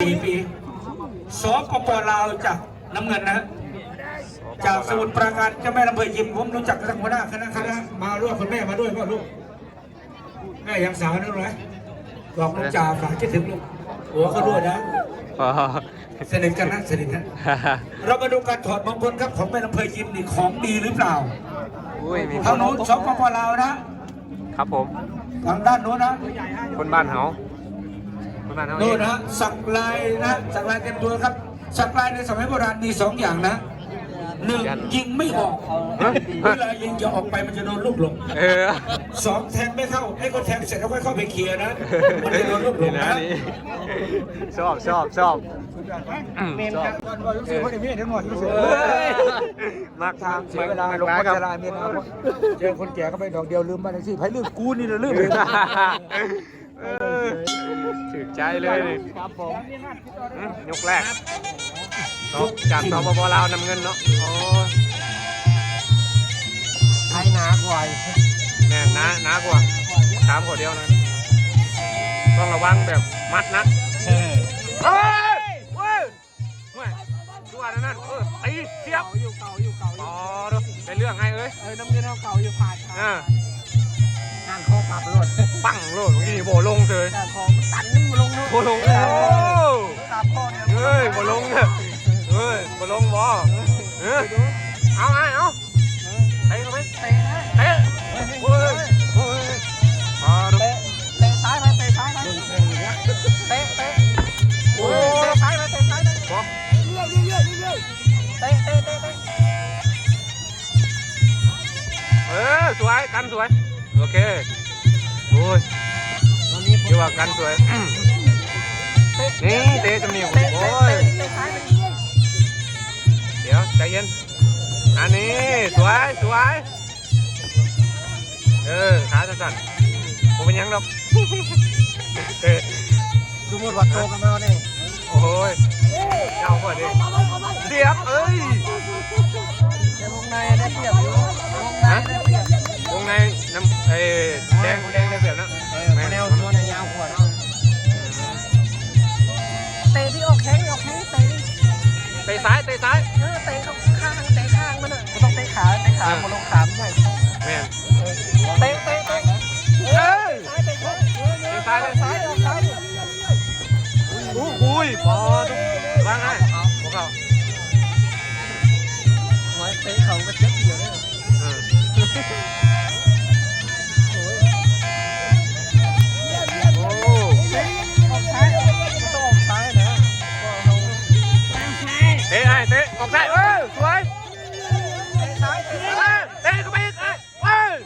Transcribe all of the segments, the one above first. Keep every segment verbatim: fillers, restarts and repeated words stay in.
สี่ปีสปปลาวจากน้ำเงินนะจากสมุทรปราการเจ้าแม่ลำเพยยิมผมรู้จักทั้งหัวหน้าคณะคณะมาร่วมคุณแม่มาด้วยพ่อลูกแม่ยังสาวนั่นเลยบอกลูกจ่าฝากคิดถึงลูกหัวเขาด้วยนะสนิทกันนะสนิทกันเรามาดูการถอดมงคลครับของแม่ลำเพยยิมนี่ของดีหรือเปล่าทางโน้นสปปลาวนะครับผมทางด้านโน้นนะคนบ้านเฮาคนบ้านเฮาโน้นนะสักลายนะสักลายเต็มตัวครับสักลายในสมัยโบราณมีสองอย่างนะหนึ่งยิงไม่ออกเวลายิงจะออกไปมันจะโดนลูกหลงสองแทงไม่เข้าไอ้คนแทงเสร็จแล้วค่อยเข้าไปเคลียร์นะมันจะโดนลูกหลงนะชอบชอบชอบมากทางเสียเวลาลงพัชราเมียนเจอคนแก่ก็ไปดอกเดียวลืมบ้านที่ไผ่ลืมกูนี่เลยลืมถึกใจเลยครับผมยกแรกจากสปปลาวนำเงินเนาะโอ้ไทยหนากว่าแน่หนาหนากว่าสามขวดเดียวนะต้องระวังแบบมัดนะเฮ้ยเฮ้ยเฮ้ยดูอันนั้นเออตีเสียบอยู่เก่าอยู่เก่าอ๋อดูเป็นเรื่องไงเอ้ยเออน้ำเงินเก่าอยู่ผ่านอ่าห่างคอปรับโลดปังโลดเมื่อกี้โบลงเลยห่างคอตันโบลงโบลงโอ้ตับคอเนี่ยเฮ้ยโบลงเนี่ยเฮ้ยโบลงบ่เออเอาไงเอาเตะเขาไหมเตะเตะโอ้ยโอ้ยพอดูเตะซ้ายไปเตะซ้ายไปเตะเตะโอ้ยเตะซ้ายไปเตะซ้ายไปบ่เรื่อยเรื่อยเรื่อยเตะเตะเตะเตะเออสวยกันสวยโอเคโอ้ยเดี๋ยวว่ากันสวยนี่เตะจมูกโอ้ยเดี๋ยวใจเย็นอันนี้สวยสวยเออขาสั่นๆผมเป็นยังหรอกสมมติวัดโตกันมาเนี่ยโอ้ยเจ้าก่อนดิเสียบเอ้ยวงในได้เปรียบอยู่วงในได้เปรียบวงในน้ำไอ้แดงแดงได้เปรียบนะแนวตัวในยาวกว่าเนาะเตะที่ออกแข้งออกแข้งเตะเตะซ้ายเตะซ้ายเออเตะข้างเตะข้างมันอ่ะไม่ต้องเตะขาเตะขาบนลงขาไม่ใช่แม่เตะเตะเตะเอ้ยเตะซ้ายเตะซ้ายเตะซ้ายอุ้ยพอว่างไงพวกเขาไว้เตะเขาก็เจ็บเยอะเลยโอ้ออกซ้ายต้องออกซ้ายนะเตะไอ้เตะออกซ้ายเออสวยเตะซ้ายเตะเตะเข้าไปอีกไอ้เอ้ย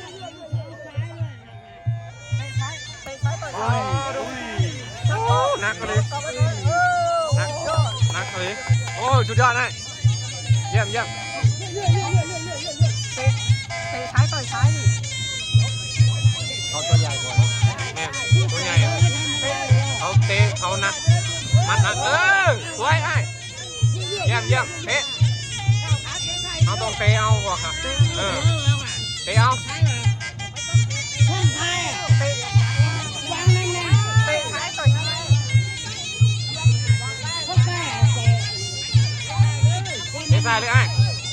เตะซ้ายเตะซ้ายต่อยซ้ายนักเลยนักนักเลยโอ้สุดยอดเลยเยี่ยมเยี่ยมเตะเตะซ้ายต่อยซ้ายดิเขาตัวใหญ่กว่าเนี่ยตัวใหญ่เขาเตะเขานักมัดนักเออสวยไอ้เยี่ยมเยี่ยมเตะเอาต้องเตะเอากว่าค่ะเออเตะเอาใส่เลยไอ้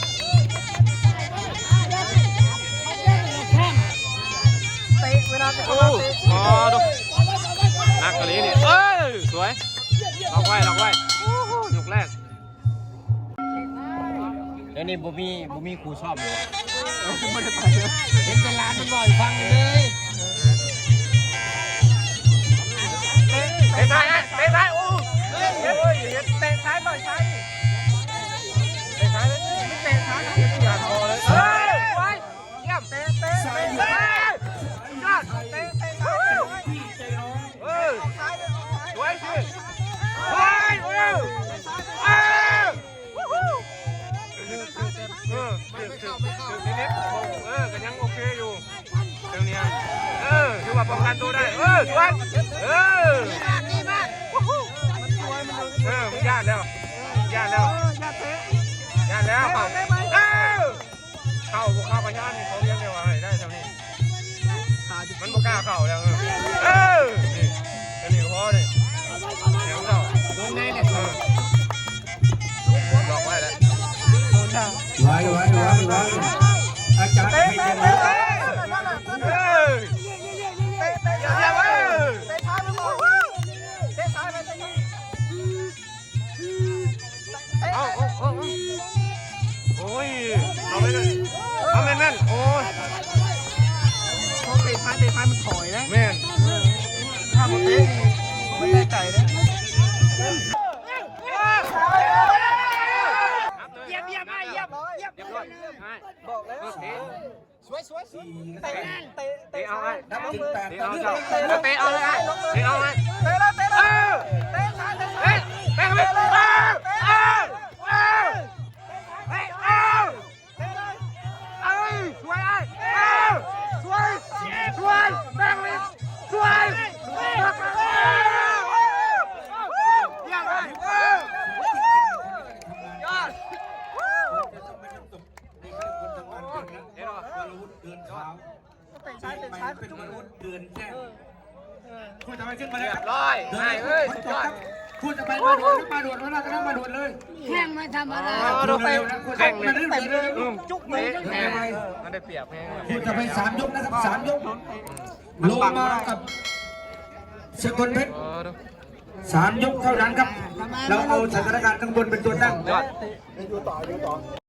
เตะเวลาเตะโอ้พอดูนักกะลีนี่เอ้ยสวยล็อกไว้ล็อกไว้ยกแรกเดี๋ยวนี้บุมีบุมีครูชอบเลยไม่ได้ไปเห็นเป็นร้านมันบ่อยฟังเลยเตะซ้ายเตะซ้ายโอ้เตะซ้ายบ่อยซ้ายเตะซ้ายเตะซ้ายเตะขาคอเลยเฮ้ยไว้เยี่ยมเตะเตะเตะเตะยอดเตะเตะซ้ายเออสวยสิเฮ้ยเออเออวู้ฮู้เออถึงถึงถึงนิดๆเออก็ยังโอเคอยู่เดี๋ยวนี้เออถือว่าป้องกันตัวได้เออสวยเออวู้ฮู้เออมันยากแล้วยากแล้วยากแล้วเขาเออเข้าพวกเข้าปัญญานี่เขาเลี้ยงเร็วอะไรได้เท่านี้มันบ่กล้าเข้าแล้วเออนี่อันนี้ก็พอเลยเดี๋ยวเข้าเอาเอาเอาโอ้ยเอาไปเลยเอาแม่นแม่นโอ้ยเขาเตะท้ายเตะท้ายมันถอยนะแม่นถ้ามันเตะไม่ได้ใจนะเยี่ยมเยี่ยมเยี่ยมเยี่ยมบอกแล้วสวยสวยสวยเตะเตะเตะเอาไอ้นับถึงแปดเตะต่อเอาเนื่องเตะเตะเอาเลยไอ้เตะเอาไอ้เตะแล้วเตะแล้วเตะซ้ายเตะซ้ายเตะไปเลยเอาเอาเอาเอาเอาสวยไอ้เอาสวยสวยแบงค์ลิสสวยเยี่ยมเลยยอดเดี๋ยววรวุฒิเดินเท้าเตะซ้ายเตะซ้ายเป็นวรวุฒิเดินแค่คุณจะไปขึ้นมาเลยเรียบร้อยไอ้เอ้ยสุดยอดคุณจะไปมาด่วนมาด่วนมาแล้วก็ต้องมาด่วนเลยแข่งไม่ธรรมดาดูเตะแข่งเลยเต็มเลยจุกเลยแข่งมันได้เปรียบแข่งคุณจะไปสามยกนะครับสามยกลงมากับสกลเพชรสามยกเท่านั้นครับเราเอาสถานการณ์ข้างบนเป็นตัวตั้งยอด